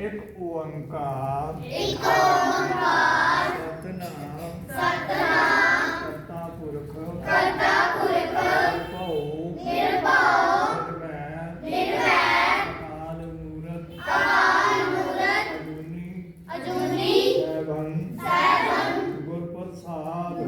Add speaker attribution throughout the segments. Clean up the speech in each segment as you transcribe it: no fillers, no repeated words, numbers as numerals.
Speaker 1: ਇੱਕ ਓੰਕਾਰ ਸਤਿਨਾਮ ਕਰਤਾ ਪੁਰਖ ਨਿਰਭਉ ਅਕਾਲ ਮੂਰਤ ਅਜੂਨੀ ਸੈਭੰ ਗੁਰ ਪ੍ਰਸਾਦ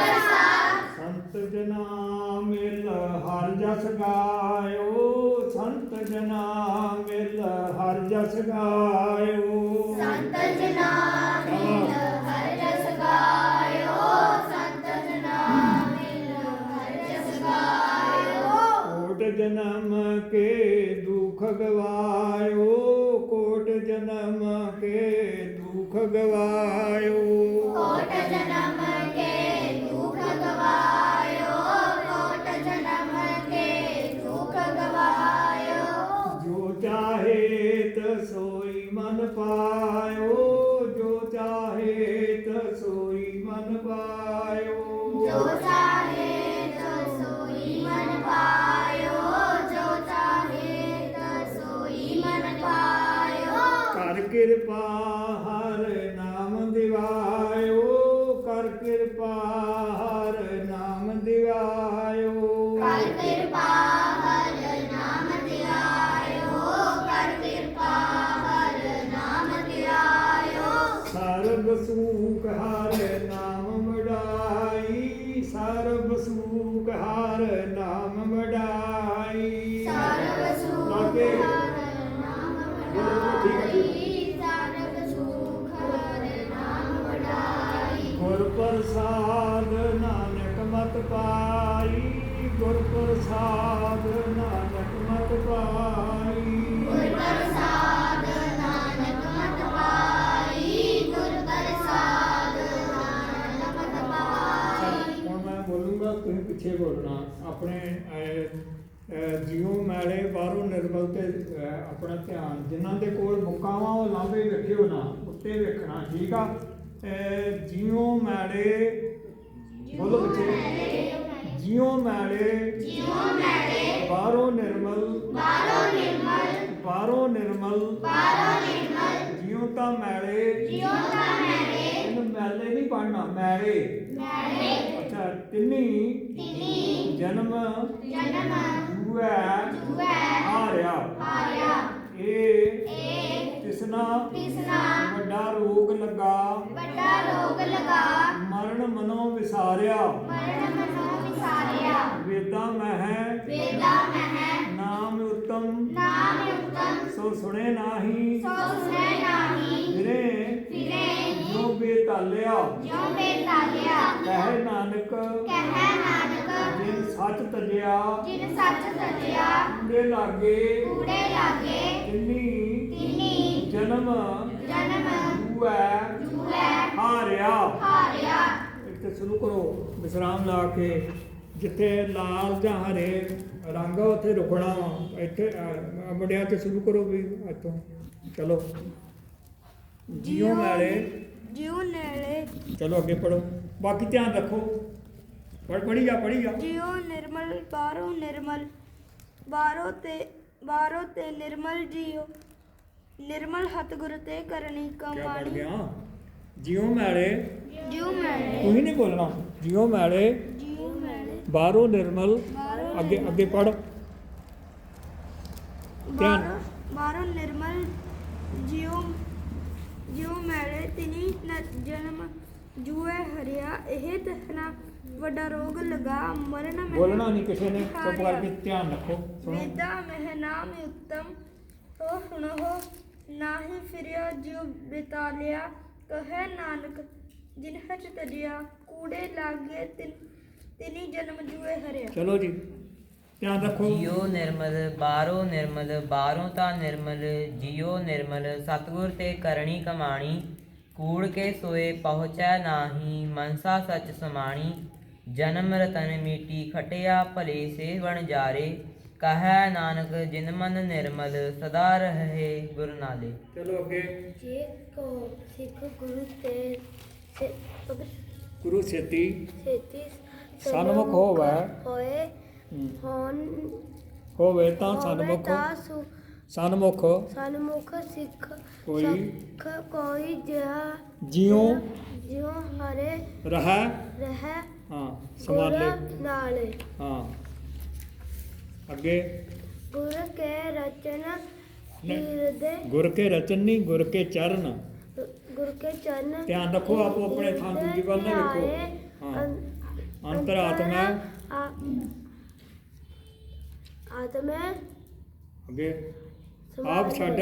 Speaker 1: ਸੰਤ ਜਨਾ ਮਿਲ ਹਰਿ ਜਸ ਗਾਇਓ ਸੰਤ ਜਨਾ ਮਿਲ ਹਰਿ ਜਸ ਗਾਇਓ
Speaker 2: ਸੰਤ ਜਨਾ ਮਿਲ ਹਰਿ ਜਸ ਗਾਇਓ ਸੰਤ ਜਨਾ ਮਿਲ ਹਰਿ ਜਸ ਗਾਇਓ
Speaker 1: ਕੋਟ ਜਨਮ ਕੇ ਦੁਖ ਗਵਾਇਓ ਕੋਟ ਜਨਮ ਕੇ ਦੁਖ ਗਵਾਇਓ
Speaker 2: ਕੋਟ ਜਨਮ ਕੇ ਦੁਖ ਗਵਾਇਓ ਕੋਟ ਜਨਮ ਕੇ ਦੁਖ ਗਵਾਇਓ
Speaker 1: ਜੋ ਚਾਹੇ ਤਸੋਈ ਮਨ ਪਾਇਓ ਜੋ ਚਾਹੇ ਤਸੋਈ ਮਨ ਪਾਇਓ
Speaker 2: ਜੋ ਚਾਹੇ ਤਸੋਈ ਮਨ ਪਾਇਓ ਜੋ ਚਾਹੇ ਤਸੋਈ ਮਨ ਪਾਇਓ
Speaker 1: ਕਰ ਕਿਰਪਾ ਹਰ ਨਾਮ ਦਿਵਾਇਓ ਕਰ ਕਿਰਪਾ ਹਰ ਨਾਮ ਦਿਵਾਇਓ
Speaker 2: ਕਰ ਕਿਰਪਾ ਹਰਿ ਨਾਮ ਧਿਆਇਓ ਕਰ ਕਿਰਪਾ ਹਰਿ ਨਾਮ ਧਿਆਇਓ
Speaker 1: ਸਰਬ ਸੂਖ ਹਰ ਨਾਮ ਵਡਾਈ ਸਰਬ ਸੂਖ ਹਰ ਨਾਮ ਵਡਾਈ
Speaker 2: ਸਰਬ ਸੁਖ
Speaker 1: ਲਾਗੇ।
Speaker 2: ਹਰਿ ਨਾਮ ਵਡਾਈ ਸਰਬ ਸੁਖ ਹਰਿ ਨਾਮ ਵਡਾਈ
Speaker 1: ਗੁਰ ਪ੍ਰਸਾਦ ਨਾਨਕ ਮਤ ਪਾਈ ਗੁਰ ਪ੍ਰਸਾਦ ਨਾਨਕ ਮਤ ਪਾਈ
Speaker 2: ਗੁਰ ਪ੍ਰਸਾਦ ਨਾਨਕ ਮਤ ਪਾਈ ਗੁਰ ਪ੍ਰਸਾਦ ਨਾਨਕ ਮਤ ਪਾਈ
Speaker 1: ਹੁਣ ਮੈਂ ਬੋਲੂੰਗਾ ਤੁਸੀਂ ਪਿੱਛੇ ਬੋਲਣਾ ਆਪਣੇ ਜੀਉ ਮੈਲੇ ਬਾਹਰੋਂ ਨਿਰਮਲ ਤੇ ਆਪਣਾ ਧਿਆਨ ਜਿਨ੍ਹਾਂ ਦੇ ਕੋਲ ਮੁਕਾਵਾਂ ਉਹ ਲਾਂਭੇ ਵੇਖਿਓ ਨਾ ਉੱਤੇ ਵੇਖਣਾ ਠੀਕ ਆ ਜੀਉ ਮੈਲੇ ਬੋਲੋ ਬੱਚੇ ਜੀਉ ਮੈਲੇ
Speaker 2: ਜਿਉ ਮੈਲੇ
Speaker 1: ਬਾਹਰੋਂ ਨਿਰਮਲ
Speaker 2: ਬਾਹਰੋਂ ਨਿਰਮਲ
Speaker 1: ਬਾਹਰੋਂ ਨਿਰਮਲ
Speaker 2: ਬਾਹਰੋਂ ਨਿਰਮਲ
Speaker 1: ਜਿਉ ਤਾਂ ਮੈਲੇ
Speaker 2: ਜਿਉ ਤਾਂ ਮੈਲੇ
Speaker 1: ਇਹਨੂੰ ਮੈਲੇ ਨਹੀਂ ਪੜਨਾ ਮੈਲੇ
Speaker 2: ਮੈਲੇ
Speaker 1: ਅੱਛਾ ਤਿੰਨੀ
Speaker 2: ਤਿਨੀ
Speaker 1: ਜਨਮ
Speaker 2: ਜਨਮ
Speaker 1: ਜੂਐ
Speaker 2: ਜੂਐ
Speaker 1: ਹਾਰਿਆ
Speaker 2: ਹਾਰਿਆ
Speaker 1: ਇਹ
Speaker 2: ਏ
Speaker 1: ਤਿਸਨਾ
Speaker 2: ਤਿਸਨਾ
Speaker 1: ਵੱਡਾ ਰੋਗ ਲੱਗਾ
Speaker 2: ਵੱਡਾ ਰੋਗ ਲਗਾ
Speaker 1: ਮਰਨ ਮਨੋਂ ਵਿਸਾਰਿਆ
Speaker 2: ਮਰਨ ਮਨੋ ਵਿਸਾਰਿਆ
Speaker 1: ਵੇਦਾਂ ਮਹਿ
Speaker 2: ਵੇਦਾ ਮਹਿ
Speaker 1: ਨਾਮ ਉਤਮ
Speaker 2: ਨਾਮ ਉਤਮ
Speaker 1: ਸੋ ਸੁਣੇ ਨਾਹੀ
Speaker 2: ਸੋ ਸੁਨੇ ਨਾਹੀ
Speaker 1: ਫਿਰੇ
Speaker 2: ਫਿਰੇ
Speaker 1: ਜੋ ਬੇਤਾਲਿਆ
Speaker 2: ਜਿਉ ਬੇਤਾਲਿਆ
Speaker 1: ਕਹਿ ਨਾਨਕ
Speaker 2: ਕਹਿ ਨਾਨਕ
Speaker 1: ਜਿਨ ਸੱਚ ਤਜਿਆ
Speaker 2: ਜਿਨ ਸੱਚ ਸਜਿਆ
Speaker 1: ਕੂੜੇ ਲਾਗੇ
Speaker 2: ਕੂੜੇ ਲਾਗੇ
Speaker 1: ਤਿੰਨੀ
Speaker 2: ਤਿਨੀ
Speaker 1: ਜਨਮ
Speaker 2: ਜਨਮ
Speaker 1: ਜੂਐ
Speaker 2: ਜੂਐ
Speaker 1: ਹਾਰਿਆ
Speaker 2: ਹਾਰਿਆ
Speaker 1: ਇੱਥੇ ਸ਼ੁਰੂ ਕਰੋ ਵਿਸਰਾਮ ਲਾ ਕੇ ਜਿੱਥੇ ਲਾਲ ਜਾਂ ਹਰੇ ਰੰਗ ਆ ਉੱਥੇ ਰੁਕਣਾ ਵਾ ਇੱਥੇ ਮੁੰਡਿਆਂ ਤੇ ਸ਼ੁਰੂ ਕਰੋ ਵੀ ਇੱਥੋਂ ਚਲੋ ਜੀਉ ਮੈਲੇ
Speaker 3: ਜਿਉ ਨੇੜੇ
Speaker 1: ਚਲੋ ਅੱਗੇ ਪੜੋ ਬਾਕੀ ਧਿਆਨ ਰੱਖੋ ਪੜ੍ਹੀ ਜਾ
Speaker 3: ਜਿਉ ਨਿਰਮਲ ਬਾਹਰੋਂ ਤੇ ਨਿਰਮਲ ਜਿਉ ਨਿਰਮਲ ਹੱਥ ਗੁਰ ਤੇ ਕਰਨੀ
Speaker 1: ਕਿਆ ਪੜ
Speaker 3: ਕਮਾਣੀ
Speaker 1: ਗਿਆ ਜੀਉ ਮੈਲੇ
Speaker 3: ਜਿਉ ਮੈਲੇ
Speaker 1: ਤੁਸੀਂ ਨਹੀਂ ਬੋਲਣਾ ਜੀਉ ਮੈਲੇ
Speaker 3: ਜਿਉ ਮੈਲੇ
Speaker 1: ਬਾਹਰੋਂ ਨਿਰਮਲ
Speaker 3: ਬਾਹਰੋਂ
Speaker 1: ਅੱਗੇ ਪੜ ਧਿਆਨ
Speaker 3: ਬਾਹਰੋਂ ਨਿਰਮਲ ਜਿਉ ਮੈਲੇ ਤਿਨੀ ਜਨਮ ਜੂਏ ਹਰਿਆ ਇਹ ਤਹਨਾ ਵੱਡਾ ਰੋਗ ਲਗਾ ਮਰਨ ਮਹਿ
Speaker 1: ਬੋਲਣਾ ਨਹੀਂ ਕਿਸੇ ਨੇ ਚੁੱਪ ਕਰਕੇ ਧਿਆਨ ਰੱਖੋ ਸੁਣੋ
Speaker 3: ਵੇਦਾ ਮਹਿ ਨਾਮ ਉਤਮ ਹੋ ਸੁਣੋ ਨਾਹੀ ਫਿਰਿਆ ਜਿਉ ਬਿਤਾਲਿਆ ਕਹੈ ਨਾਨਕ ਜਿਨ ਹਚ ਤਜਿਆ ਕੂੜੇ ਲਾਗੇ ਤਿਨੀ ਜਨਮ ਜੂਏ ਹਰਿਆ
Speaker 1: ਚਲੋ ਜੀ ਧਿਆਨ ਰੱਖੋ
Speaker 4: ਜਿਉ ਨਿਰਮਲ ਬਾਹਰੋਂ ਤਾਂ ਨਿਰਮਲ ਜਿਉ ਨਿਰਮਲ ਸਤਿਗੁਰ ਤੇ ਕਰਨੀ ਕਮਾਣੀ ਕੂੜ ਕੇ ਸੋਏ ਪਹੁੰਚੈ ਨਾਹੀ ਮਨਸਾ ਸਚ ਸਮਾਣੀ ਜਨਮ ਰਤਨ ਮੀਟੀ ਖਟਿਆ ਭਲੇ ਸੇ ਵਣ ਜਾਰੇ ਕਹੈ ਨਾਨਕ ਜਿਨ ਮਨ ਨਿਰਮਲ ਸਦਾ ਰਹੇ ਗੁਰ ਨਾਲੇ।
Speaker 1: ਚਲੋ ਅੱਗੇ
Speaker 2: ਜੇ ਕੋ ਸਿੱਖ ਗੁਰੂ ਤੇ
Speaker 1: ਗੁਰੂ ਛੇਤੀ
Speaker 2: ਛੇਤੀ
Speaker 1: ਸਨਮੁਖ ਹੋਵੇ
Speaker 2: ਹੋਏ
Speaker 1: ਹਮ,
Speaker 2: ਹੋਣ
Speaker 1: ਹੋਵੇ ਤਾਂ
Speaker 2: ਹੋਵੇ
Speaker 1: ਸਨਮੁਖ
Speaker 2: ਤਾਂ
Speaker 1: ਸਨਮੁਖ
Speaker 2: ਸਨਮੁਖ ਸਿੱਖ
Speaker 1: ਕੋਈ
Speaker 2: ਸਿੱਖ ਕੋਈ ਜਿਹਾ
Speaker 1: ਜਿਉ
Speaker 2: ਜਿਉ ਹਰੇ
Speaker 1: ਰਹਿ
Speaker 2: ਰਹਿ
Speaker 1: ਹਾਂ ਸਮਾਲੇ
Speaker 2: ਗੁਰ ਨਾਲੇ
Speaker 1: ਹਾਂ ਅੱਗੇ
Speaker 2: ਗੁਰ ਕੇ ਰਚਨ
Speaker 1: ਨਹੀਂ।
Speaker 2: ਹਿਰਦੇ
Speaker 1: ਗੁਰ ਕੇ ਰਚਨ ਨਹੀਂ ਗੁਰ ਕੇ ਚਰਨ
Speaker 2: ਗੁਰ ਕੇ ਚਰਨ
Speaker 1: ਧਿਆਨ ਰੱਖੋ, ਆਪੋ ਆਪਣੇ ਥਾਂ ਦੂਜੀ ਵੱਲ ਨਾ ਵੇਖੋ। ਹਾਂ। ਅੰਤਰਾਤਮਾ
Speaker 2: ਆਤਮਾ
Speaker 1: ਅੱਗੇ ਆਪ ਛੱਡ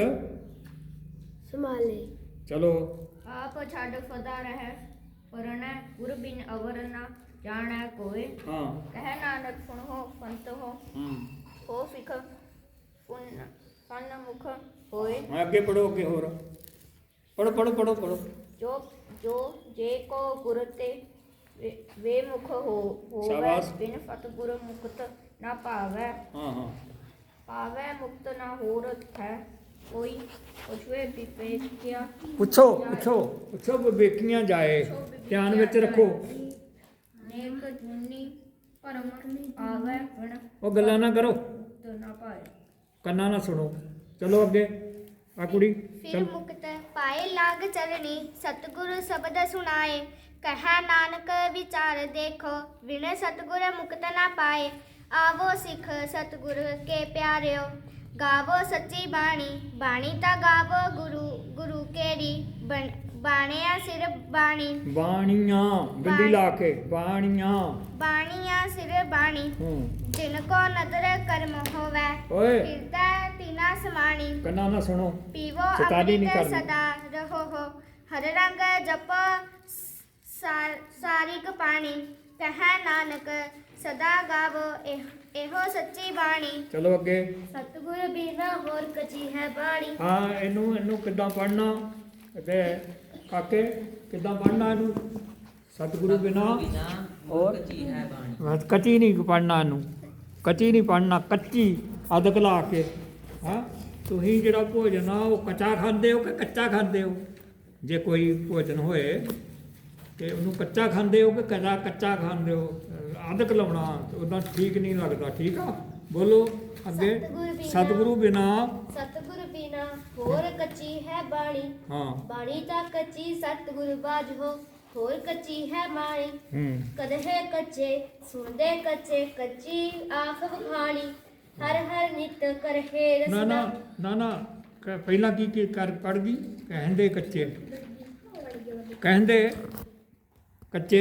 Speaker 2: ਸੰਭਾਲੇ
Speaker 1: ਚਲੋ
Speaker 3: ਆਪ ਛੱਡ ਸਦਾ ਰਹਿ ਪਰਣੈ ਗੁਰ ਬਿਨ ਅਵਰ ਨਾ ਜਾਣੈ ਕੋਇ
Speaker 1: ਹਾਂ
Speaker 3: ਕਹਿ ਨਾਨਕ ਸੁਣੋ ਸੰਤ ਹੋ ਹੋ ਸਿੱਖ ਪੁੰਨ ਸੰਨ ਮੁਖ ਹੋਏ
Speaker 1: ਹਾਂ ਅੱਗੇ ਪੜੋ ਅੱਗੇ ਹੋਰ ਪੜੋ ਪੜੋ ਪੜੋ ਪੜੋ
Speaker 3: ਜੋ ਜੋ ਜੇ ਕੋ ਗੁਰ ਤੇ ਵੇ ਮੁਖ ਹੋਵੇ
Speaker 1: ਸ਼ਾਬਾਸ਼।
Speaker 3: ਬਿਨ ਸਤਿਗੁਰ ਮੁਕਤ ਨਾ ਭਾਵੈ
Speaker 1: ਹਾਂ ਹਾਂ
Speaker 3: ਪਾਵੈ ਮੁਕਤ ਨਾ ਹੋਰ ਹੈ ਕੋਈ ਪੁੱਛਵੇ ਵਿਵੇਕਿਆ
Speaker 1: ਪੁੱਛੋ ਪੁੱਛੋ ਪੁੱਛੋ ਵਿਵੇਕੀਆਂ ਜਾਏ ਧਿਆਨ ਵਿੱਚ ਰੱਖੋ
Speaker 3: ਨੇਕ ਜੁਨੀ ਪਰਮ ਆਵੈ ਗੁਣ
Speaker 1: ਉਹ ਗੱਲਾਂ ਨਾ ਕਰੋ
Speaker 3: ਮੁਕਤ ਨਾ ਪਾਏ
Speaker 1: ਕੰਨਾਂ ਨਾਲ ਸੁਣੋ ਚਲੋ ਅੱਗੇ ਆ ਕੁੜੀ
Speaker 2: ਫਿਰ
Speaker 1: ਚਲ
Speaker 2: ਮੁਕਤ ਪਾਏ ਲਾਗ ਚਰਣੀ ਸਤਿਗੁਰ ਸ਼ਬਦ ਸੁਣਾਏ ਕਹਾ ਨਾਨਕ ਵਿਚਾਰ ਦੇਖੋ ਵਿਣ ਸਤਿਗੁਰ ਮੁਕਤ ਨਾ ਪਾਏ ਆਵੋ ਸਿੱਖ ਸਤਿਗੁਰ ਕੇ ਪਿਆਰਿਓ ਗਾਵੋ ਸੱਚੀ ਬਾਣੀ ਬਾਣੀ ਤਾਂ ਗਾਵੋ ਗੁਰੂ ਕੇਰੀ ਬਾਣਿਆ ਸਿਰ ਬਾਣੀ
Speaker 1: ਬਾਣੀਆਂ ਬਿੰਦੀ ਲਾ ਕੇ ਬਾਣੀਆਂ
Speaker 2: ਬਾਣੀਆਂ ਸਿਰ ਬਾਣੀ ਜਿਨ ਕੋ ਨਦਰ ਕਰਮ ਹੋਵੇ
Speaker 1: ਓਏ
Speaker 2: ਹਿਰਦੈ ਤਿਨਾ ਸਮਾਣੀ
Speaker 1: ਕੰਨਾਂ ਨਾਲ ਸੁਣੋ
Speaker 2: ਪੀਵੋ
Speaker 1: ਚਿਤਾਲੀ ਨਹੀਂ
Speaker 2: ਅੰਮ੍ਰਿਤ
Speaker 1: ਕਰਨੀ।
Speaker 2: ਸਦਾ ਰਹੋ ਹੋ ਹਰ ਰੰਗ ਜਪੋ ਸਾਰਿਕ ਪਾਣੀ ਕਹੈ ਨਾਨਕ ਸਦਾ ਗਾਵੋ ਇਹੋ ਸੱਚੀ ਬਾਣੀ
Speaker 1: ਚਲੋ ਅੱਗੇ
Speaker 2: ਸਤਿਗੁਰ ਬਿਨਾ ਹੋਰ ਕਚੀ ਹੈ ਬਾਣੀ
Speaker 1: ਹਾਂ ਇਹਨੂੰ ਕਿੱਦਾਂ ਪੜਨਾ ਤੇ ਕਾਕੇ ਕਿੱਦਾਂ ਪੜਨਾ ਇਹਨੂੰ ਸਤਿਗੁਰੂ ਬਿਨਾ
Speaker 4: ਬਿਨਾ
Speaker 1: ਔਰ
Speaker 4: ਕੱਚੀ ਹੈ ਬਾਣੀ
Speaker 1: ਬਸ ਕੱਚੀ ਨਹੀਂ ਪੜਨਾ ਇਹਨੂੰ ਕੱਚੀ ਨਹੀਂ ਪੜਨਾ ਕੱਚੀ ਅਦਕ ਲਾ ਕੇ ਹਾਂ ਤੁਸੀਂ ਜਿਹੜਾ ਭੋਜਨ ਆ ਉਹ ਕੱਚਾ ਖਾਂਦੇ ਹੋ ਕਿ ਕੱਚਾ ਖਾਂਦੇ ਹੋ ਜੇ ਕੋਈ ਭੋਜਨ ਹੋਏ ਤੇ ਉਹਨੂੰ ਕੱਚਾ ਖਾਂਦੇ ਹੋ ਕਿ ਕੱਚਾ ਖਾਂਦੇ ਹੋ ਅਦਕ ਲਾਉਣਾ ਉਦਾਂ ਠੀਕ ਨਹੀਂ ਲੱਗਦਾ ਠੀਕ ਆ ਬੋਲੋ ਅੱਗੇ ਸਤਿਗੁਰੂ ਬਿਨਾ
Speaker 2: ਸਤਿਗੁਰ ਬਿਨਾ ਹੋਰ ਕਚੀ ਹੈ ਬਾਣੀ
Speaker 1: ਹਾਂ
Speaker 2: ਬਾਣੀ ਤਾਂ ਕੱਚੀ ਸਤਿਗੁਰ ਬਾਝੋ ਹੋਰ ਕੱਚੀ ਹੈ ਬਾਣੀ ਕਦਹੇ ਕੱਚੇ ਸੁਣਦੇ ਕੱਚੇ ਕੱਚੀ ਆਖ ਬਖਾਣੀ ਹਰ ਹਰ ਨਿਤ ਕਰਹੇ
Speaker 1: ਨਾ
Speaker 2: ਰਸਨਾ
Speaker 1: ਨਾ ਨਾ ਨਾ ਪਹਿਲਾਂ ਕੀ ਕਰ ਪੜ ਗਈ ਕਹਿੰਦੇ ਕੱਚੇ ਕਹਿੰਦੇ ਕੱਚੇ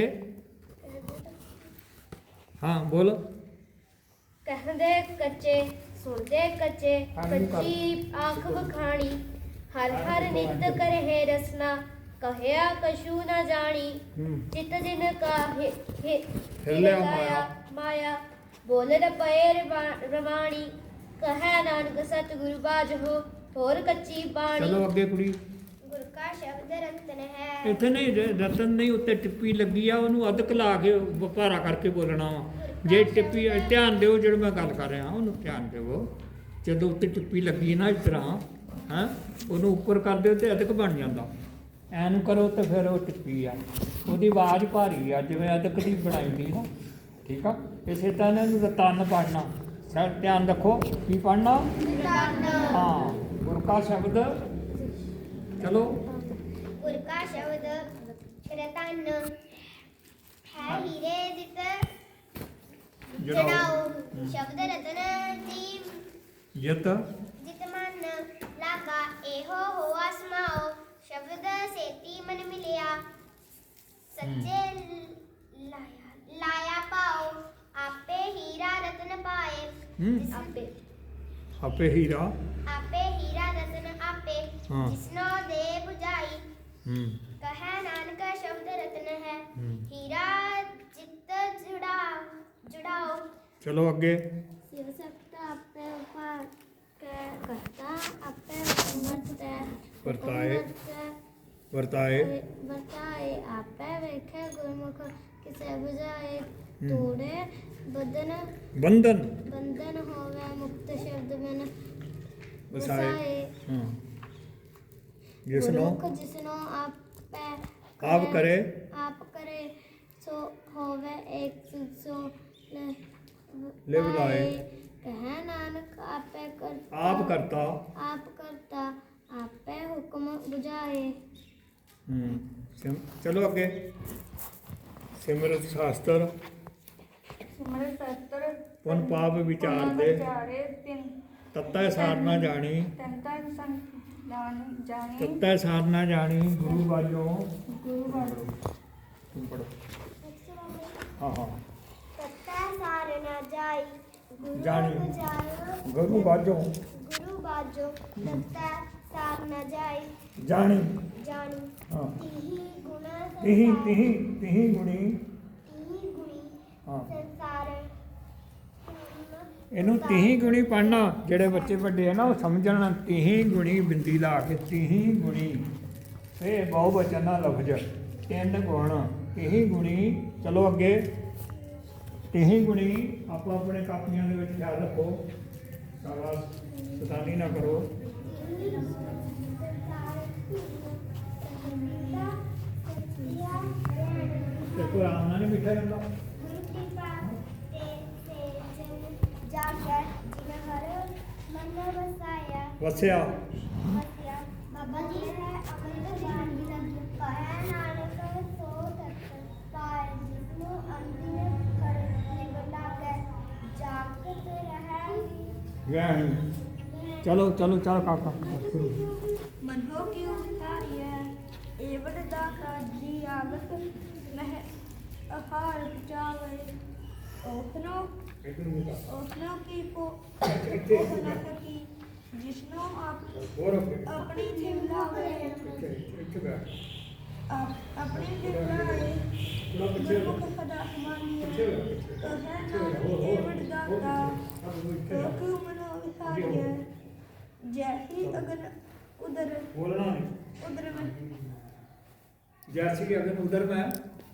Speaker 1: ਹਾਂ ਬੋਲ
Speaker 2: ਕਹਿੰਦੇ ਕੱਚੇ ਸੁਣਦੇ ਕੱਚੇ ਕੱਚੀ ਆਖ ਬਖਾਣੀ ਹਰ ਹਰ ਨਿਤ ਕਰਹੇ ਰਸਨਾ ਕਹਿਆ ਕਛੂ ਨਾ ਜਾਣੀ ਚਿਤ ਜਿਨ ਕਾ
Speaker 1: ਹਿਰਲਿਆ
Speaker 2: ਮਾਇਆ ਬੋਲਣ ਪਏ ਰਵਾਣੀ ਕਹਿ ਨਾਨਕ ਸਤਿਗੁਰੂ ਬਾਝੋ ਹੋਰ ਕੱਚੀ ਬਾਣੀ
Speaker 1: ਚਲੋ ਅੱਗੇ ਕੁੜੀ
Speaker 2: ਗੁਰ ਕਾ ਸ਼ਬਦ ਰਤਨ ਹੈ
Speaker 1: ਇੱਥੇ ਨਹੀਂ ਰਤਨ ਨਹੀਂ ਉੱਤੇ ਟਿੱਪੀ ਲੱਗੀ ਆ ਉਹਨੂੰ ਅਦਕ ਲਾ ਕੇ ਵਪਾਰਾ ਕਰਕੇ ਬੋਲਣਾ ਵਾ ਜੇ ਟਿੱਪੀ ਧਿਆਨ ਦਿਓ ਜਿਹੜਾ ਮੈਂ ਗੱਲ ਕਰ ਰਿਹਾ ਉਹਨੂੰ ਧਿਆਨ ਦਿਓ ਜਦੋਂ ਉੱਤੇ ਟਿੱਪੀ ਲੱਗੀ ਨਾ ਇਸ ਤਰ੍ਹਾਂ ਹਾਂ ਉਹਨੂੰ ਉੱਪਰ ਕਰ ਦਿਓ ਤੇ ਅਦਕ ਬਣ ਜਾਂਦਾ ਐਨ ਕਰੋ ਤੇ ਫਿਰ ਉਹ ਟਿੱਪੀ ਆ ਉਹਦੀ ਆਵਾਜ਼ ਭਾਰੀ ਆ ਜਿਵੇਂ ਅਦਕ ਦੀ ਬਣਾਈ ਹੁੰਦੀ ਨਾ ਠੀਕ ਆ ਇਸੇ ਤਰ੍ਹਾਂ ਇਹਨੂੰ ਰਤਨ ਪੜਨਾ ਸਰ ਧਿਆਨ ਰੱਖੋ ਕੀ ਪੜਨਾ ਹਾਂ ਗੁਰ ਕਾ ਸ਼ਬਦ ਚਲੋ
Speaker 2: ਗੁਰ ਕਾ ਸ਼ਬਦ ਰਤਨ ਹੈ ਹੀਰੇ ਦਿਤ ਜੜਾਓ ਸ਼ਬਦ ਰਤਨ ਦੀ
Speaker 1: ਜਿਤ
Speaker 2: ਜਿਤ ਮਨ ਲਾਗਾ ਇਹੋ ਹੋਆ ਸਮਾਓ ਸ਼ਬਦ ਸੇਤੀ ਮਨ ਮਿਲਿਆ ਸੱਚੇ ਲਾਇਆ ਪਾਓ ਆਪੇ ਹੀਰਾ ਰਤਨ ਪਾਏ
Speaker 1: ਆਪੇ ਹੀਰਾ
Speaker 2: ਆਪੇ ਹੀਰਾ ਰਤਨ ਆਪੇ
Speaker 1: ਹਾਂ।
Speaker 2: ਜਿਸਨੋ ਦੇ 부ਝਾਈ ਕਹੈ ਨਾਨਕ ਸ਼ਬਦ ਰਤਨ ਹੈ ਹੀਰਾ ਜਿਤ ਜੁੜਾਓ
Speaker 1: ਚਲੋ ਅੱਗੇ
Speaker 2: ਸਿਵ ਸਖਤ ਆਪੇ ਉਪਾਰ ਕਰਤਾ ਆਪੇ ਵਰਤਾਏ ਵਰਤਾਏ ਆਪੇ ਵੇਖੇ ਗੁਰਮੁਖ ਕਿਸੇ 부ਝਾਏ ਤੋੜੇ ਬੰਧਨ ਹੋਵੇ ਮੁਕਤ ਸ਼ਬਦ ਬਿਨ
Speaker 1: ਵਸਾਏ ਜਿਸਨੋ
Speaker 2: ਗੁਰਮੁਖ ਜਿਸਨੋ
Speaker 1: ਆਪ ਕਰੇ
Speaker 2: ਸੋ ਹੋਵੇ ਇੱਕ ਸੋ
Speaker 1: ਲਿਵ ਲਾਏ
Speaker 2: ਕਹੈ ਨਾਨਕ ਆਪੇ ਕਰਤਾ
Speaker 1: ਆਪ ਕਰਤਾ।
Speaker 2: ਆਪ ਕਰਤਾ ਆਪੇ ਹੁਕਮ ਬੁਝਾਏ।
Speaker 1: ਚਲੋ ਅੱਗੇ। ਸਿਮਰਤ ਸ਼ਾਸਤਰ
Speaker 3: ਸਿਮਰਤ ਸ਼ਾਸਤਰ
Speaker 1: ਪੁਨ ਪਾਪ ਵਿਚਾਰ ਦੇ
Speaker 3: ਵਿਚਾਰੇ ਤਿੰਨ
Speaker 1: ਤਤੈ ਸਾਰ ਨਾ ਜਾਣੀ
Speaker 3: ਤੰਤਾ ਜਾਣੀ
Speaker 1: ਤਤੈ ਸਾਰ ਨਾ ਜਾਣੀ ਗੁਰੂ ਵਾਜੋਂ
Speaker 3: ਗੁਰੂ ਵਾਲੋ
Speaker 1: ਤੁਮ ਪੜੋ। ਹਾਂ ਹਾਂ
Speaker 2: ਤਤੈ ਸਾਰ ਨਾ ਜਾਈ ਗੁਰੂ
Speaker 1: ਜਾਣੀ।
Speaker 2: ਬੁਝਾਇਓ।
Speaker 1: ਗੁਰੂ ਵਾਜੋਂ
Speaker 2: ਗੁਰੂ ਬਾਜੋ ਤਤੈ ਸਾਰ ਨਾ ਜਾਈ
Speaker 1: ਜਾਣੀ।
Speaker 2: ਜਾਣੀ।
Speaker 1: ਹਾਂ
Speaker 2: ਤਿਹੀ ਗੁਣ
Speaker 1: ਤਿਹੀ
Speaker 2: ਸੰਸਾਰ
Speaker 1: ਤਿਹੀ ਤਿਹੀ ਗੁਣੀ।
Speaker 2: ਤਿਹੀ ਗੁਣੀ
Speaker 1: ਹਾਂ
Speaker 2: ਸੰਸਾਰ
Speaker 1: ਇਹਨੂੰ ਤਿਹੀ ਗੁਣੀ ਪੜ੍ਹਨਾ। ਜਿਹੜੇ ਬੱਚੇ ਵੱਡੇ ਆ ਨਾ ਉਹ ਸਮਝਣ। ਤਿਹੀ ਗੁਣੀ ਬਿੰਦੀ ਲਾ ਕੇ ਤਿਹੀ ਗੁਣੀ ਇਹ ਬਹੁ ਵਚਨ ਦਾ ਲਫ਼ਜ਼। ਤਿੰਨ ਗੁਣ ਤਿਹੀ ਗੁਣੀ। ਚਲੋ ਅੱਗੇ। ਤਿਹੀ ਗੁਣੀ ਆਪੋ ਆਪਣੇ ਕਾਪੀਆਂ ਦੇ ਵਿੱਚ ਖਿਆਲ ਰੱਖੋ। ਸ਼ਾਬਾਸ਼ ਸ਼ੈਤਾਨੀ ਨਾ ਕਰੋ। ਤੇ ਕੋਈ ਆਰਾਮ ਨਾਲ ਨਹੀਂ ਬਿਠਾ ਜਾਂਦਾ। ਵਸਿਆ
Speaker 2: ਬਾਬਾ ਜੀ ਹੈ ਅਮਰ ਗਿਆਨ ਦੀ ਲੱਗੀ ਕਹਿ ਨਾਨਕ ਸੋ ਤਤ ਪਾਇ ਜਿਸਨੂੰ ਅੰਤਿਮ ਕਰ ਨਿਵਲਾ ਕੇ ਜਾਗਤ ਰਹਿ
Speaker 1: ਗਿਆਨ। ਚਲੋ ਚਲੋ ਚਲ ਕਾਕਾ ਸ਼ੁਰੂ।
Speaker 3: ਮਨੋ ਕਿਉ ਵਿਚਾਰੀਐ ਏਵੜ ਦਾ ਕਾਜੀ ਆਗਤ ਮਹਿ ਅਹਾਰ ਪਚਾਵੇ ਉਸਨੋ ਉਸਨੋ ਕੀ ਕੋ ਨਾ ਸਕੀ ਜਿਸਨੋ
Speaker 1: ਹੋਰ
Speaker 3: ਆਪਣੀ ਜਿਮਲਾਵੇ
Speaker 1: ਇੱਥੇ ਬੈਠ।
Speaker 3: ਆਪਣੀ ਜਿਮਲਾਵੇ ਗੁਰਮੁਖ ਸਦਾ ਸਮਾਨੀਐ ਕਹਿ ਨਾਨਕ ਏਵੜ ਦਾ ਕਿਉ ਮਨੋ ਵਿਚਾਰੀਐ ਜੈਸੀ ਅਗਨ ਉਦਰ
Speaker 1: ਬੋਲਣਾ ਨਹੀਂ।
Speaker 3: ਉਦਰ ਮੈਂ
Speaker 1: जैसी कि अगर उधर में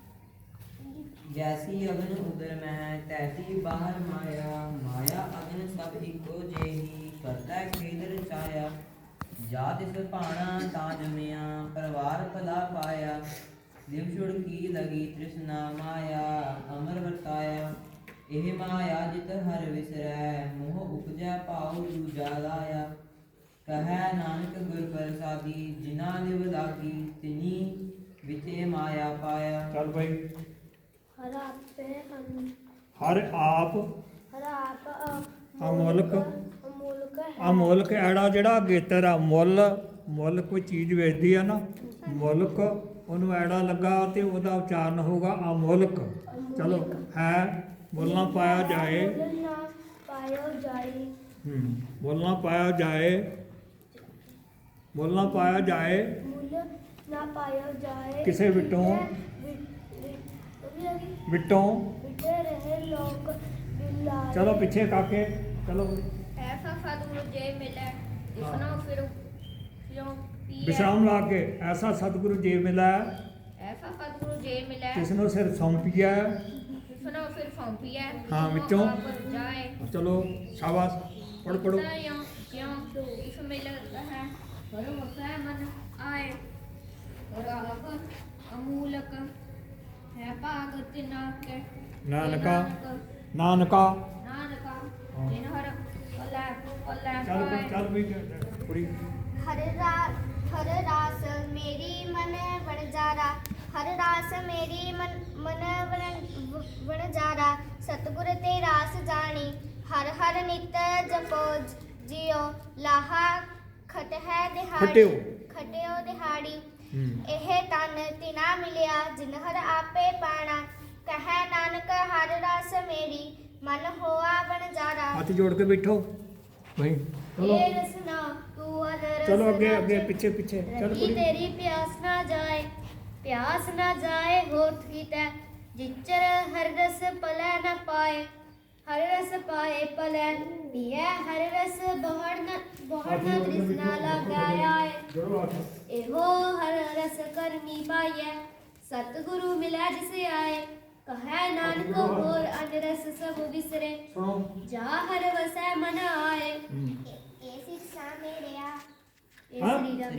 Speaker 4: ਜੈਸੀ ਅਗਨ ਉਦਰ ਮੈਂ ਤੈਸੀ ਬਾਹਰ ਮਾਇਆ ਮਾਇਆ ਅਗਨ ਸਭ ਇੱਕੋ ਜਿਹੀ ਕਰਤਾ ਖੇਦ ਰਚਾਇਆ ਜਾ ਤਿਸ ਭਾਣਾ ਤਾਂ ਜਮਿਆ ਪਰਵਾਰ ਭਲਾ ਪਾਇਆ ਦਿਵ ਛੁੜ ਕੀ ਲਗੀ ਤ੍ਰਿਸ਼ਨਾ ਮਾਇਆ ਅਮਰ ਵਰਤਾਇਆ ਇਹ ਮਾਇਆ ਜਿਤ ਹਰ ਵਿਸਰੈ ਮੋਹ ਉਪਜੈ ਭਾਉ ਦੂਜਾ ਲਾਇਆ ਕਹੈ ਨਾਨਕ ਗੁਰ ਪ੍ਰਸਾਦੀ ਜਿਨਾ ਲਿਵ ਲਾਗੀ ਤਿਨੀ ਵਿਚੇ ਮਾਇਆ ਪਾਇਆ।
Speaker 1: चल भाई।
Speaker 2: ਹਰ ਆਪੇ ਹਨ
Speaker 1: हर आप
Speaker 2: ਹਰ ਆਪ
Speaker 1: ਅਮੁੱਲਕ
Speaker 2: ਅਮੁੱਲਕ ਹੈ
Speaker 1: ਅਮੁੱਲਕ ਐੜਾ ਜਿਹੜਾ ਅਗੇਤਰ ਆ ਮੁੱਲ ਮੁੱਲ ਕੋਈ ਚੀਜ਼ ਵੇਚਦੀ ਆ ਨਾ ਮੁੱਲਕ ਉਹਨੂੰ ਐੜਾ ਲੱਗਾ ਤੇ ਉਹਦਾ ਉਚਾਰਨ ਹੋਊਗਾ ਅਮੁੱਲਕ। ਚਲੋ ਹੈ ਮੁੱਲ ਨਾ ਪਾਇਆ ਜਾਏ।
Speaker 2: ਮੁੱਲ ਨਾ ਪਾਇਓ ਜਾਈ
Speaker 1: ਮੁੱਲ ਨਾ ਪਾਇਆ ਜਾਏ। ਮੁੱਲ ਨਾ ਪਾਇਆ ਜਾਏ
Speaker 2: ਮੁੱਲ ਨਾ ਪਾਇਓ ਜਾਏ
Speaker 1: ਕਿਸੇ ਵਿਟੋਂ ਵਿਟੋਂ।
Speaker 2: ਵਿਟੇ ਰਹੇ ਲੋਕ ਬਿਲਾਏ
Speaker 1: ਚਲੋ ਪਿੱਛੇ ਕਾਕੇ ਚਲੋ।
Speaker 3: ਐਸਾ ਸਤਿਗੁਰੂ ਜੇ ਮਿਲੇ ਇਸਨੋਂ ਫਿਰ ਕਿਉਂ ਪੀਏ
Speaker 1: ਵਿਸ਼ਰਾਮ ਲਾ ਕੇ ਐਸਾ ਸਤਿਗੁਰੂ ਜੀ ਮਿਲਾ
Speaker 3: ਐਸਾ ਸਤਿਗੁਰੂ ਜੇ ਮਿਲੇ
Speaker 1: ਕਿਸ ਨੂੰ ਸਿਰ ਸੌਂਪੀਆ।
Speaker 3: ਇਸਨੋਂ ਫਿਰ ਫੌਂਪੀਏ
Speaker 1: ਹਾਂ, ਵਿੱਚੋਂ।
Speaker 3: ਜਾਏ
Speaker 1: ਚਲੋ ਸ਼ਾਬਾਸ਼ ਪੜ੍ਹ ਪੜ੍ਹੋ।
Speaker 3: ਕਿਉਂ ਇਸ ਮਿਲ ਹੈ ਪਰ ਮੁਸੈ ਮਨ ਆਏ ਰਾਗ ਅਮੂਲਕ ਹੈ ਭਾਗ ਤਿਨਾ ਕੇ
Speaker 1: ਨਾਨਕਾ ਨਾਨਕਾ
Speaker 3: ਨਾਨਕਾ ਜਿਨ ਹਰ ਪੱਲੇ
Speaker 1: ਚੱਲ ਵੀ ਕੁੜੀ।
Speaker 2: ਹਰ ਰਾਸ ਮੇਰੀ ਮਨ ਵਣਜਾਰਾ ਹਰ ਰਾਸ ਮੇਰੀ ਮਨ ਵਣਜਾਰਾ ਸਤਿਗੁਰ ਤੇ ਰਾਸ ਜਾਣੀ ਹਰ ਹਰ ਨਿਤ ਜਪੋ ਜਿਉ ਲਾਹਾ
Speaker 1: ਖਟਿਓ।
Speaker 2: ਖਟਿਓ ਦਿਹਾੜੀ ਇਹ ਤਨ ਤਿਨਾ ਮਿਲਿਆ ਜਿਨ ਹਰ ਆਪੇ ਪਾਣਾ ਕਹੈ ਨਾਨਕ ਹਰ ਰਸ ਮੇਰੀ ਮਨ ਹੋਆ ਵਣਜਾਰਾ
Speaker 1: ਹੱਥ ਜੋੜ ਕੇ ਬੈਠੋ ਭਾਈ। ਚਲੋ
Speaker 2: ਇਹ ਰਸਨਾ ਤੂੰ ਅਦਰ
Speaker 1: ਚਲੋ ਅੱਗੇ ਅੱਗੇ ਪਿੱਛੇ ਪਿੱਛੇ ਚੱਲ
Speaker 2: रही
Speaker 1: ਕੁੜੀ।
Speaker 2: तेरी प्यास ना जाए होठ की तय जिचर हर रस पलै न पाए हर रस पाए पलै पिए हर रस बहुड़ न तृष्णा लगाया
Speaker 1: ਜੋੜੋ ਹੱਥ।
Speaker 2: एहो हर रस करनी पाइए सतगुरु मिला जिसे आए कहे नानक और अन रस सब बिसरे
Speaker 1: ਸੁਣੋ।
Speaker 2: जा हर वसै मन आए
Speaker 1: ਹੂੰ।
Speaker 2: शिक्षा मेरिया
Speaker 1: हाँ?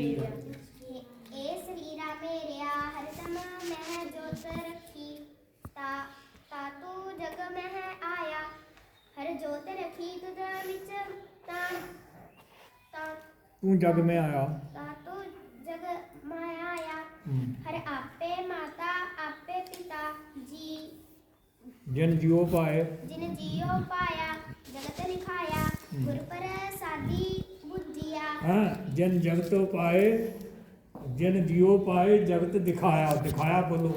Speaker 2: ਏ ਸਰੀਰਾ ਮੇਰਿਆ ਹਰਦਮ ਮਹਿ ਜੋਤ ਰੱਖੀ ਤਾ ਤੂੰ ਜਗ ਮਹਿ ਆਇਆ ਹਰ ਜੋਤ ਰਖੀ ਤੁਧ ਵਿੱਚ ਤਾਂ ਤਾਂ
Speaker 1: ਤੂੰ ਜਗ ਮੈਂ ਆਇਆ।
Speaker 2: ਤਾਂ ਤੂੰ ਜਗ ਮਾਇਆ ਆਇਆ।
Speaker 1: ਹੂੰ।
Speaker 2: ਹਰ ਆਪੇ ਮਾਤਾ ਆਪੇ ਪਿਤਾ ਜੀ
Speaker 1: ਜਿਨ ਜਿਉ ਪਾਏ
Speaker 2: ਜਿਨ ਜੀਉ ਪਾਇਆ ਜਗਤ ਲਿਖਾਇਆ ਗੁਰ ਪ੍ਰਸਾਦੀ ਬੁੱਧੀਆ।
Speaker 1: ਹਾਂ, ਜਿਨ ਜਗਤੋਂ ਪਾਏ ਜਿਨ ਜਿਉ ਪਾਏ ਜਗਤ ਦਿਖਾਇਆ। ਦਿਖਾਇਆ ਬੋਲੋ।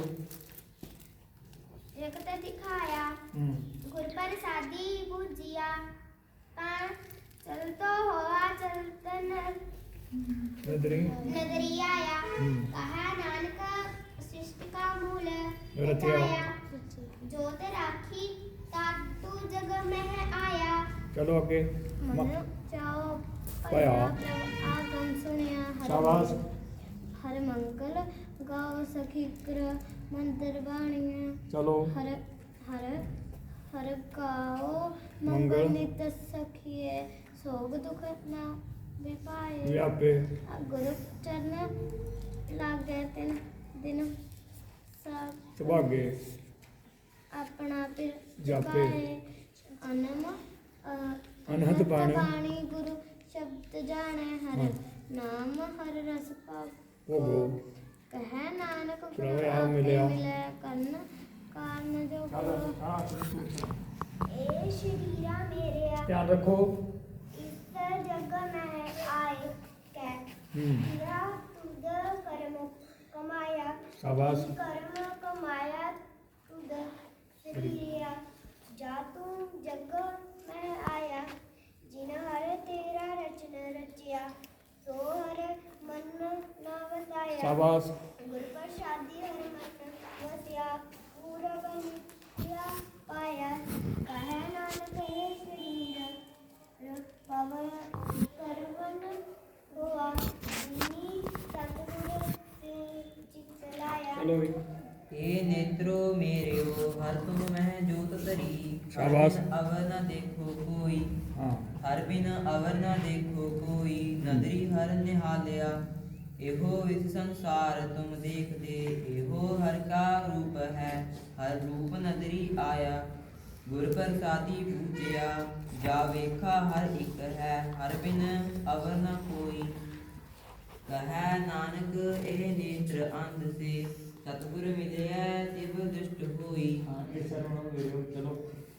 Speaker 2: ਜਗਤ ਦਿਖਾਇਆ
Speaker 1: ਹੂੰ।
Speaker 2: ਗੁਰ ਪ੍ਰਸਾਦੀ ਬੁੱਧੀਆ। ਤਾਂ ਚਲਤੋ ਹੋਆ ਚਲਤਨ
Speaker 1: ਨਦਰੀ
Speaker 2: ਨਗਰੀ ਆਇਆ।
Speaker 1: ਹੂੰ।
Speaker 2: ਕਹਾ ਨਾਨਕ ਸ੍ਰਿਸ਼ਟ ਕਾ ਮੂਲ
Speaker 1: ਰਚਿਆ।
Speaker 2: ਰਚਾਇਆ। ਜੋਤ ਰਾਖੀ ਤਾ ਤੂੰ ਜਗ ਮਹਿ ਆਇਆ।
Speaker 1: ਚਲੋ ਅੱਗੇ।
Speaker 2: ਮਨ ਚਾਓ
Speaker 1: ਪਾਇਆ।
Speaker 2: ਆਗਮ ਸੁਣਿਆ
Speaker 1: ਸ਼ਾਬਾਸ਼।
Speaker 2: ਹਰ ਮੰਗਲ ਗਾਓ ਸਖੀ ਕਰ ਮੰਦਰ ਬਾਣੀਆਂ।
Speaker 1: ਚਲੋ।
Speaker 2: ਹਰ ਹਰ ਹਰ ਗਾਓ
Speaker 1: ਮੰਗਲ।
Speaker 2: ਮੰਗਲ ਨਿਤ ਸਖੀਏ ਸੋਗ ਦੁਖ ਨਾ ਵਿਪਾਏ।
Speaker 1: ਵਿਆਪੇ।
Speaker 2: ਗੁਰੂ ਚਰਨ ਲਾਗੇ ਤਿਨ ਦਿਨ ਸਭ
Speaker 1: ਸੁਭਾਗੇ।
Speaker 2: ਆਪਣਾ ਫਿਰ
Speaker 1: ਜਾਪੇ।
Speaker 2: ਅਨਮ
Speaker 1: ਅਨਹਦ ਬਾਣੀ।
Speaker 2: ਗੁਰੂ ਸ਼ਬਦ ਜਾਣੈ ਹਰ
Speaker 1: ਹਾਂ।
Speaker 2: ਨਾਮ ਹਰ ਰਸ ਪਾਉ।
Speaker 1: ਭੋਗੋ।
Speaker 2: ਕਹੈ ਨਾਨਕ ਗੁਰ
Speaker 1: ਪ੍ਰਭ ਆ
Speaker 2: ਆਪੇ
Speaker 1: ਮਿਲਿਆ।
Speaker 2: ਮਿਲੈ ਕੰਨ ਕਾਰਨ ਜੋ ਗੁਰੂ। ਏ ਸ਼ਰੀਰਾ ਮੇਰਿਆ
Speaker 1: ਧਿਆਨ ਰੱਖੋ।
Speaker 2: ਇਸ ਜਗ ਮੈਂ ਆਏ ਕੈ
Speaker 1: ਹੂੰ।
Speaker 2: ਤੇਰਾ ਤੁਧ ਕਰਮ ਕਮਾਇਆ।
Speaker 1: ਸ਼ਾਬਾਸ਼।
Speaker 2: ਕਰਮ ਕਮਾਇਆ ਤੁਧ ਸਰੀਰਿਆ। ਜਾ ਤੂੰ ਜਗ ਮੈਂ ਆਇਆ ਜਿਨ ਹਰ ਤੇਰਾ ਰਚਨ ਰਚਿਆ। ਸੋ ਹਰ ਮਨ ਨਾ ਵਸਾਇਆ।
Speaker 1: ਸ਼ਾਬਾਸ਼।
Speaker 2: ਗੁਰ ਪ੍ਰਸਾਦੀ ਹਰ ਮਨ ਵਸਿਆ। ਪੂਰਬ ਨਿਤਿਆ ਪਾਇਆ। ਕਹੈ ਨਾਨਕ ਏ ਸਰੀਰ ਪਵਨ ਕਰਵਨ ਹੋਆ। ਜਿਨੀ ਸਤਿਗੁਰ ਤੇ ਚਿਤ ਲਾਇਆ।
Speaker 1: ਚਲੋ ਵੀ।
Speaker 4: ਏ ਨੇਤਰੋ ਮੇਰਿਓ ਹਰ ਤੁਮ ਮਹਿ ਜੋਤ ਧਰੀ।
Speaker 1: ਸ਼ਾਬਾਸ਼।
Speaker 4: ਹਰ ਬਿਨ ਅਵਰ ਨ ਦੇਖੋ ਕੋਈ।
Speaker 1: ਹਾਂ।
Speaker 4: ਹਰ ਬਿਨ ਅਵਰ ਨ ਦੇਖੋ ਕੋਈ। ਨਦਰੀ ਹਰ ਨਿਹਾਲਿਆ। ਇਹੋ ਇਸ ਸੰਸਾਰ ਤੁਮ ਦੇਖਦੇ। ਇਹੋ ਹਰ ਕਾ ਰੂਪ ਹੈ। ਹਰ ਰੂਪ ਨਦਰੀ ਆਇਆ। ਗੁਰ ਪ੍ਰਸਾਦੀ ਪੂਜਿਆ। ਜਾ ਵੇਖਾ ਹਰ ਇੱਕ ਹੈ। ਹਰ ਬਿਨ ਅਵਰ ਨ ਕੋਈ। ਕਹੈ ਨਾਨਕ ਇਹ ਨੇਤਰ ਅੰਧ ਸੇ। ਸਤਿਗੁਰ ਮਿਲਿਆ ਤਿਵ ਦੁਸ਼ਟ ਹੋਈ।
Speaker 1: ਹਾਂ, ਇਹ ਸਰਵਣੋ ਮੇਰਿਓ। ਚਲੋ।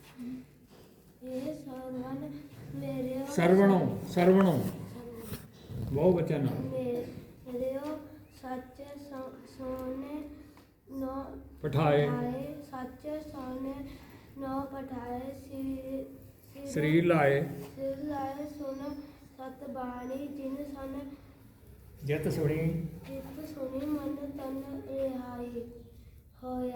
Speaker 2: ਇਹ ਸਰਵਨ ਮੇਰੇ
Speaker 1: ਸਰਵਣੋ। ਸਰਵਣੋ ਬਹੁ ਬਚਨ।
Speaker 2: ਮੇਰਿਓ ਸੱਚ ਸੋਨੇ ਨੋ
Speaker 1: ਪਠਾਏ।
Speaker 2: ਸੱਚ ਸੋਨੇ ਨੋ ਪਠਾਏ।
Speaker 1: ਸਰੀਰ ਲਾਏ।
Speaker 2: ਸਿਰ ਲਾਏ ਸੁਨ ਸਤ ਬਾਣੀ। ਜਿਨ ਸਨ
Speaker 1: ਜਿਤ ਸੁਣੀ
Speaker 2: ਜਿਤ ਸੁਣੀ ਮਨ ਤਨ ਰਿਹਾਈ ਹੋਇਆ।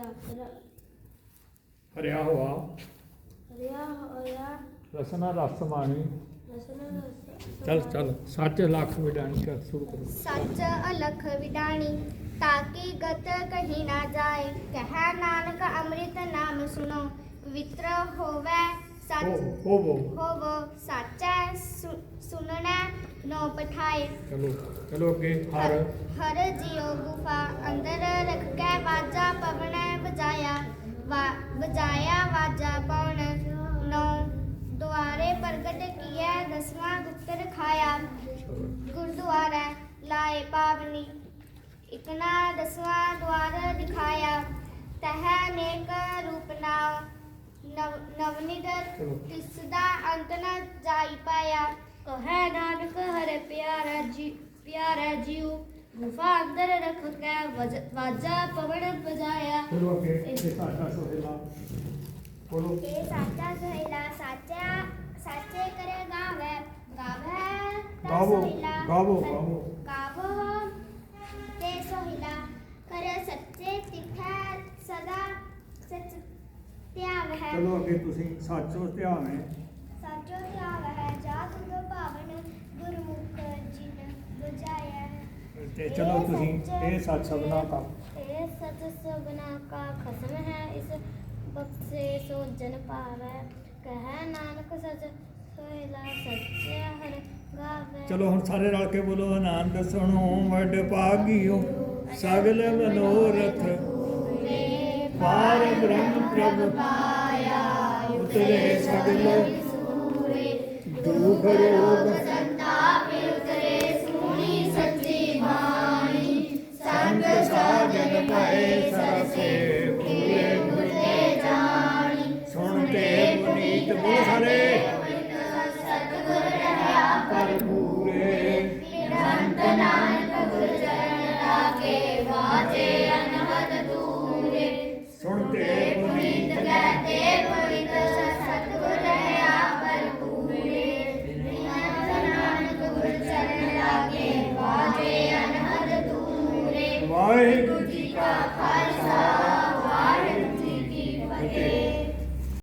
Speaker 1: ਹਰਿਆ ਹੋਆ।
Speaker 2: ਰਿਆ ਹੋਇਆ
Speaker 1: ਰਸਨਾ ਰਸ ਮਾਣੀ।
Speaker 2: ਰਸਨ ਰਸ।
Speaker 1: ਚੱਲ ਚੱਲ। ਸੱਚ ਲੱਖ ਵਿਡਾਣੀ ਕਰ ਸ਼ੁਰੂ ਕਰੋ।
Speaker 2: ਸੱਚ ਅਲਖ ਵਿਡਾਣੀ ਤਾਕੀ ਗਤ ਕਹੀ ਨਾ ਜਾਏ। ਕਹੈ ਨਾਨਕ ਅੰਮ੍ਰਿਤ ਨਾਮ ਸੁਨੋ ਪਵਿੱਤਰ ਹੋਵੇ ਸੱਚ
Speaker 1: ਹੋਵੋ।
Speaker 2: ਹੋਵੋ ਸਾਚੈ ਸੁਨਣਾ ਨੋ ਪਠਾਏ।
Speaker 1: ਚਲੋ। ਚਲੋ ਅੱਗੇ। ਹਰ
Speaker 2: ਹਰ ਜਿਉ ਗੁਫਾ ਅੰਦਰ ਰਖ ਕੇ ਵਾਜਾ ਪਵਣੈ ਵਜਾਇਆ। ਵਜਾਇਆ ਵਾਜਾ ਪਵਨ ਨੋ ਦੁਆਰੇ ਪ੍ਰਗਟ ਕੀਐ। ਦਸਵਾਂ ਗੁਪਤ ਰਖਾਇਆ। ਗੁਰਦੁਆਰਾ ਲਾਏ ਪਾਵਨੀ ਇਕਨਾ ਦਸਵਾਂ ਦੁਆਰ ਦਿਖਾਇਆ। ਤਹ ਨੇਕ ਰੂਪ ਨਾਮ ਨਵਨਿਧ ਤਿਸ ਦਾ ਅੰਤ ਨ ਜਾਈ ਪਾਇਆ। ਕਹੈ ਨਾਨਕ ਹਰਿ ਪਿਆਰਾ ਜੀਉ ਗੁਫਾ ਅੰਦਰ ਰਖ ਕੇ ਵਾਜਾ ਪਵਨ ਬਜਾਇਆ।
Speaker 1: ਚਲੋ ਅੱਗੇ। ਇਹ ਸਾਡਾ ਸੋਹਿਲਾ ਬੋਲੋ।
Speaker 2: ਇਹ ਸਾਚਾ ਸੋਹਿਲਾ ਸਾਚੇ ਕਰੇ ਗਾਵੇ ਗਾਵੇ ਤਾ
Speaker 1: ਗਾਵੋ।
Speaker 2: ਸੋਹਿਲਾ
Speaker 1: ਗਾਵੋ।
Speaker 2: ਗਾਵੋ ਤੇ ਸੋਹਿਲਾ ਕਰੇ ਸੱਚੇ ਤਿਖੈ ਸਦਾ ਸਚ ਧਿਆਵ ਹੈ।
Speaker 1: ਚਲੋ ਅੱਗੇ ਤੁਸੀਂ ਸੱਚੋ ਧਿਆਨ ਹੈ।
Speaker 2: ਸਾਚੋ ਧਿਆਵ ਹੈ। ਜਾ ਤੁਧ ਭਾਵਨ ਗੁਰਮੁਖ ਜਿਨ ਬੁਝਾਇਆ ਹੈ।
Speaker 1: ਤੇ ਚਲੋ ਤੁਸੀਂ ਇਹ ਸੱਚ ਸਭਨਾ ਕਾ।
Speaker 2: ਇਹ ਸਚ ਸਭਨਾ ਕਾ ਖਸਮ ਹੈ। ਇਸ ਬਖਸ਼ੇ ਸੋ ਜਨ ਪਾਵੈ। ਕਹੈ ਨਾਨਕ ਸਚ ਸੋਹਿਲਾ ਸੱਚੇ ਹਰਿ ਗਾਵੇ।
Speaker 1: ਚਲੋ ਹੁਣ ਸਾਰੇ ਰਲ ਕੇ ਬੋਲੋ। ਆਨੰਦ ਸੁਣੋ ਵਡ ਭਾਗਿਓ ਸਗਲ ਮਨੋਰਥ ਪਾਰ ਬ੍ਰਹਮ ਪ੍ਰਭ ਪਾਇਆ। ਉਤਰੇ ਸਗਲ ਦੁਖ ਰੋਗ
Speaker 2: ਸੰਤਾਪ ਉਤਰੇ ਸੁਣੀ ਸੱਚੀ ਬਾਣੀ
Speaker 1: ਸੰਤ ਸਾਜਨ ਭਏ ਸਰਸੇ ਪੂਰੇ ਮੁਰਤੇ
Speaker 2: ਜਾਣੀ
Speaker 1: ਸੁਣਤੇ ਪੁਨੀਤ ਬੁਲਹਰੇ
Speaker 2: ਸਤਿਗੁਰ ਰਹਾ
Speaker 1: ਪਰ ਪੂਰੇ
Speaker 2: ਨਿਰੰਤ ਨਾਨਕ ਗੁਰ ਚਰਨ ਲਾਗੇ ਵਾਜੇ ਅਨਹਦ ਦੂਰੇ
Speaker 1: ਸੁਣਤੇ ਪੁਨੀਤ
Speaker 2: ਕਹਤੇ ਪਵਿੱਤ ਸਤਿਗੁਰ ਰਹਾ ਪਰ ਪੂਰੇ ਨਿਰੰਤ ਨਾਨਕ ਗੁਰ ਚਰਨ ਲਾਗੇ ਵਾਜੇ ਅਨਹਦ ਦੂਰੇ
Speaker 1: ਵਾਹਿਗੁਰੂ